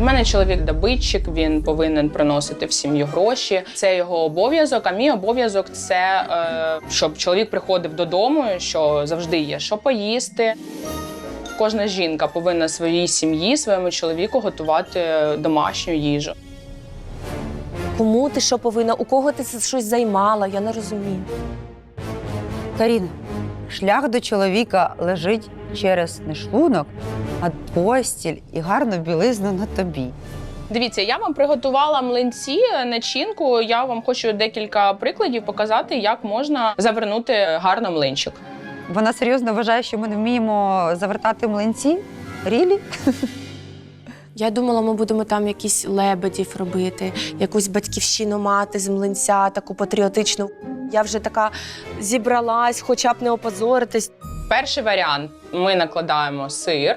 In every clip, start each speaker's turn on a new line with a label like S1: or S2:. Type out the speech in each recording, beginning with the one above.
S1: У мене чоловік-добитчик, він повинен приносити в сім'ю гроші. Це його обов'язок, а мій обов'язок – це, щоб чоловік приходив додому, що завжди є що поїсти. Кожна жінка повинна своїй сім'ї, своєму чоловіку готувати домашню їжу.
S2: Кому ти що повинна? У кого ти щось займала? Я не розумію.
S3: Карін, шлях до чоловіка лежить через не шлунок, а постіль і гарну білизну на тобі.
S1: Дивіться, я вам приготувала млинці, начинку. Я вам хочу декілька прикладів показати, як можна завернути гарно млинчик.
S3: Вона серйозно вважає, що ми не вміємо завертати млинці? Рілі?
S2: Я думала, ми будемо там якісь лебедів робити, якусь батьківщину мати з млинця, таку патріотичну. Я вже така зібралась, хоча б не опозоритись.
S1: Перший варіант. Ми накладаємо сир.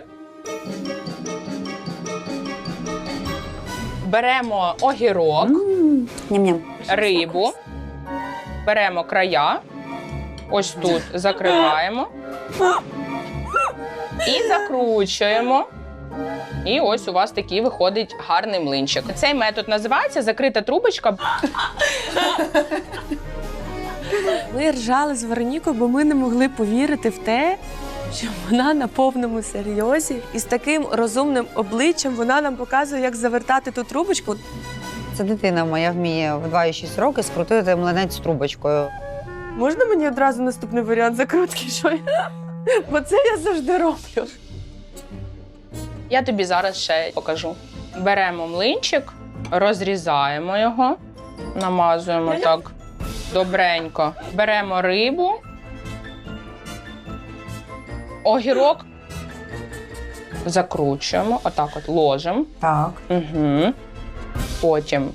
S1: Беремо огірок,
S3: Ням-ням.
S1: рибу, беремо края, ось тут закриваємо і закручуємо. І ось у вас такий виходить гарний млинчик. Цей метод називається закрита трубочка.
S2: Ми ржали з Веронікою, бо ми не могли повірити в те, що вона на повному серйозі і з таким розумним обличчям вона нам показує, як завертати ту трубочку.
S3: Це дитина моя вміє в 2,6 роки скрутити млинець з трубочкою.
S2: Можна мені одразу наступний варіант закрутки? Що я? Бо це я завжди роблю.
S1: Я тобі зараз ще покажу. Беремо млинчик, розрізаємо його, намазуємо так добренько. Беремо рибу, огірок, закручуємо, отак от ложимо.
S3: Так.
S1: Угу. Потім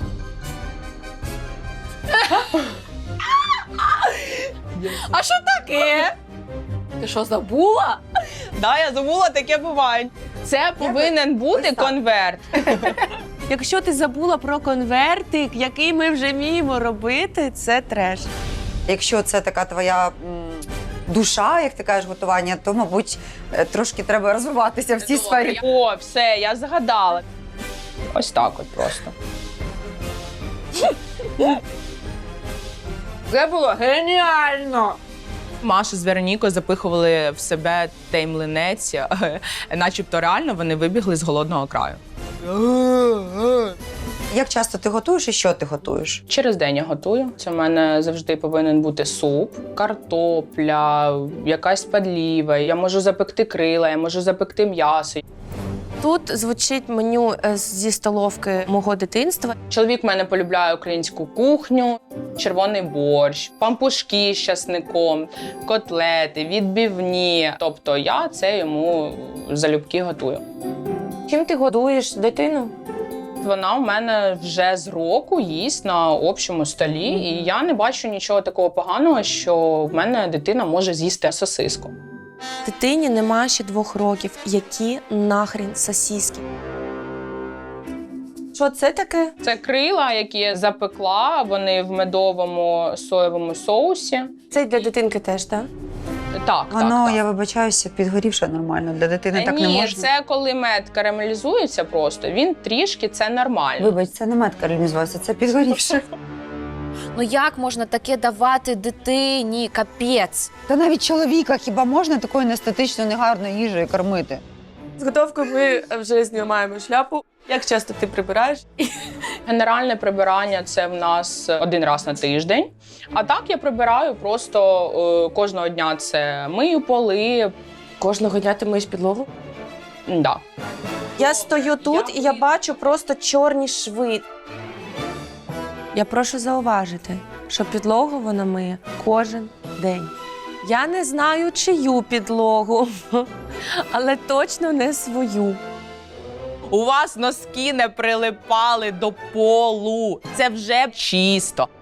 S2: А що таке? Ти що, забула?
S1: да, я забула, таке буває. Це повинен бути конверт.
S2: Якщо ти забула про конвертик, який ми вже вміємо робити, це треш.
S3: Якщо це така твоя душа, як ти кажеш, готування, то, мабуть, трошки треба розвиватися в цій сфері.
S1: О, все, я згадала. Ось так от просто.
S2: Це було геніально!
S1: Маша з Веронікою запихували в себе той млинець, начебто реально вони вибігли з голодного краю.
S3: Як часто ти готуєш і що ти готуєш?
S1: Через день я готую. Це в мене завжди повинен бути суп, картопля, якась подліва. Я можу запекти крила, я можу запекти м'ясо.
S2: Тут звучить меню зі столовки мого дитинства.
S1: Чоловік в мене полюбляє українську кухню, червоний борщ, пампушки з часником, котлети, відбивні. Тобто я це йому залюбки готую.
S2: Чим ти годуєш дитину?
S1: Вона у мене вже з року їсть на общому столі, і я не бачу нічого такого поганого, що в мене дитина може з'їсти сосиску.
S2: Дитині нема ще 2 років. Які нахрін сосиски? Що це таке?
S1: Це крила, які я запекла, вони в медовому соєвому соусі.
S2: Це для дитинки теж, так?
S1: Так,
S3: Воно,
S1: так.
S3: я вибачаюся, підгорівше нормально. Для дитини так не
S1: Ні,
S3: можна.
S1: це коли мед карамелізується просто, він трішки, це нормально.
S3: Вибач, це не мед карамелізувався, це підгорівше.
S4: Ну як можна таке давати дитині? Капець.
S3: Та навіть чоловіка хіба можна такою неестетичною, негарною їжею кормити?
S2: З готовкою ми вже знімаємо шляпу. Як часто ти прибираєш?
S1: Генеральне прибирання – це в нас 1 раз на тиждень. А так я прибираю просто кожного дня це мию поли.
S2: Кожного дня ти миєш підлогу?
S1: Да.
S2: Я стою тут і я бачу просто чорні шви. Я прошу зауважити, що підлогу вона миє кожен день. Я не знаю, чию підлогу, але точно не свою.
S1: У вас носки не прилипали до полу. Це вже чисто.